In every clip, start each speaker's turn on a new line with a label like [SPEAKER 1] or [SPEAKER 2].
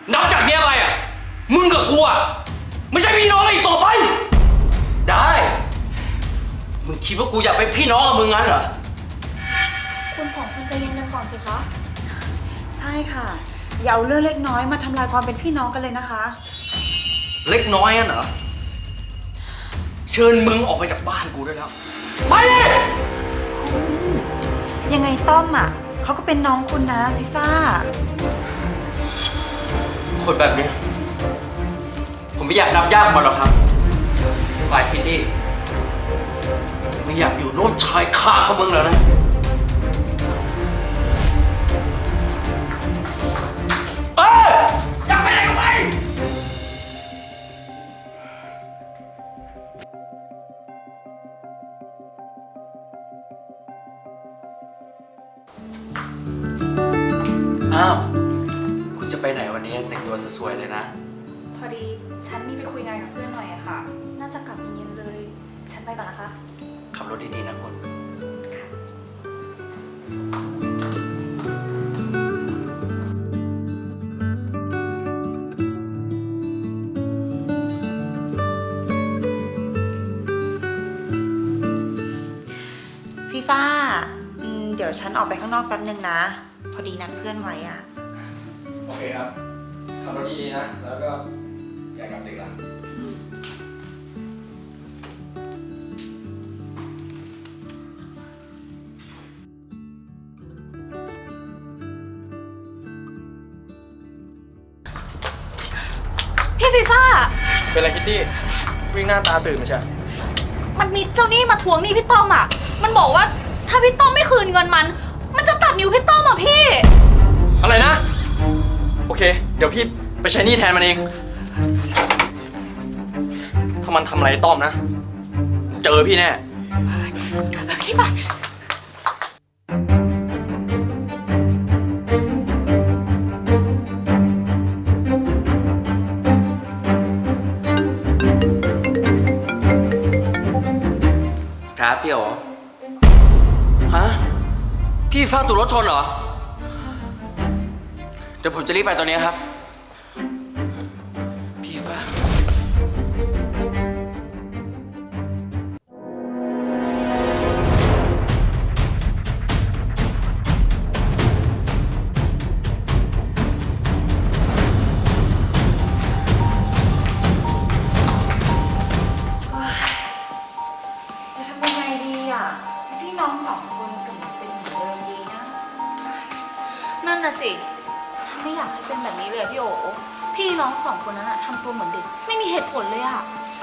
[SPEAKER 1] นับจากเนี้ยไปอ่ะมึงกับกูอ่ะไม่ใช่พี่น้องกันอีกต่อไปได้มึงคิดว่ากูอยากเป็นพี่น้องกับมึงงั้นเหรอ
[SPEAKER 2] คุณสองคนใจเย็นกันก่อนสิคะ
[SPEAKER 3] ใช่ค่ะอย่าเอาเรื่องเล็กน้อยมาทำลายความเป็นพี่น้องกันเลยนะคะ
[SPEAKER 1] เล็กน้อยอ่ะเหรอเชิญมึงออกไปจากบ้านกูได้แล้วไปเลย
[SPEAKER 3] ยังไงต้อมอ่ะเขาก็เป็นน้องคุณนะฟีฟ่า
[SPEAKER 1] คนแบบนี้ผมไม่อยากนับญาติมันหรอกครับฝ่ายพี่นี่ไม่อยากอยู่โน่นชายคาเขามึงแล้วนะอยากไปไหนก็ไปอ้าวคุณจะไปไหนวันนี้แต่งตัวสวยๆเลยนะ
[SPEAKER 2] พอดีฉันมีไปคุยงานกับเพื่อนหน่อยอะค่ะน่าจะกลับเย็นๆเลย ฉันไปก่อนนะคะ
[SPEAKER 1] ขับรถดีๆนะคุณ
[SPEAKER 3] ฟีฟ่าเดี๋ยวฉันออกไปข้างนอกแป๊บนึงนะพอดีนัดเพื่อนไว้อ่ะ
[SPEAKER 1] โอเคครับขับรถดีๆนะแล้วก็อย่ากลับดึกละ
[SPEAKER 2] พี่ฟีฟ่า
[SPEAKER 1] เป็นไรคิตตี้วิ่งหน้าตาตื่นมาใช่
[SPEAKER 2] มันมีเจ้าหนี้มาทวงหนี้พี่ต้อมอะมันบอกว่าถ้าพี่ต้อมไม่คืนเงินมันจะตัดนิ้วพี่ต้อมอะพี่
[SPEAKER 1] อะไรนะโอเคเดี๋ยวพี่ไปใช้หนี้แทนมันเองถ้ามันทำอะไรต้อมนะเจอพี่แน่
[SPEAKER 2] พี่ไป
[SPEAKER 1] ครับพี่โอฮะพี่ฟ้าถูกรถชนเหรอเดี๋ยวผมจะรีบไปตอนนี้ครับพี่ฟ้า
[SPEAKER 3] จะทำยังไงดีอ่ะพี่น้องสองคนกลับมาเป็นเหมือนเดิมดีนะ
[SPEAKER 2] นั่นน่ะสิฉันไม่อยากให้เป็นแบบนี้เลยพี่โอพี่น้องสองคนนั้นอะทำตัวเหมือนเด็กไม่มีเหตุผลเลยอะ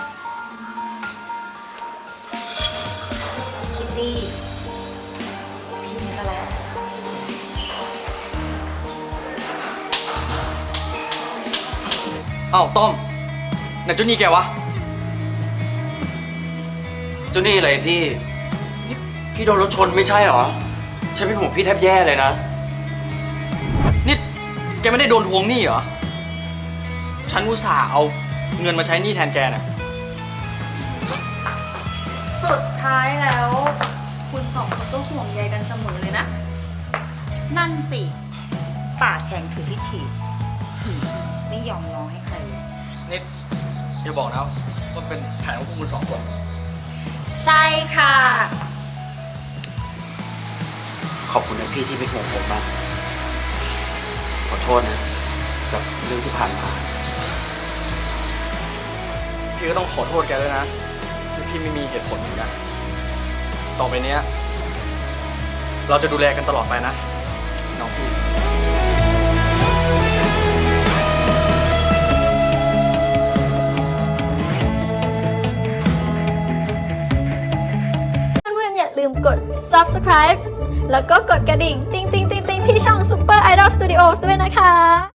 [SPEAKER 3] คิตตี้พี่นี่ก็แล้ว
[SPEAKER 1] อ้าวต้อมไหนเจ้านี่แกวะเจ้านี่อะไรพี่โดนรถชนไม่ใช่เหรอฉันเป็นห่วงพี่แทบแย่เลยนะนี่แกไม่ได้โดนทวงหนี้เหรอฉันอุตส่าห์เอาเงินมาใช้หนี้แทนแกน่ะ
[SPEAKER 2] สุดท้ายแล้ว คุณสองคนก็ห่วงใยกันเสมอเลยนะ
[SPEAKER 3] นั่นสิปากแข็งถือทิฐิไม่ยอมร้องให้ใครเลย
[SPEAKER 1] นี่อย่าบอกนะว่าเป็นแผนของพวกคุณสองคน
[SPEAKER 3] ใช่ค่ะ
[SPEAKER 1] ขอบคุณนะพี่ที่เป็นห่วงผมมากขอโทษนะกับเรื่องที่ผ่านมาพี่ก็ต้องขอโทษแกด้วยนะที่พี่ไม่มีเหตุผลเหมือนกันต่อไปเนี้ยเราจะดูแลกันตลอดไปนะน้องพี่
[SPEAKER 4] เพื่อนๆอย่าลืมกด subscribe แล้วก็กดกระดิ่ง ติ๊งๆๆๆที่ช่อง Super Idol Studios ด้วยนะคะ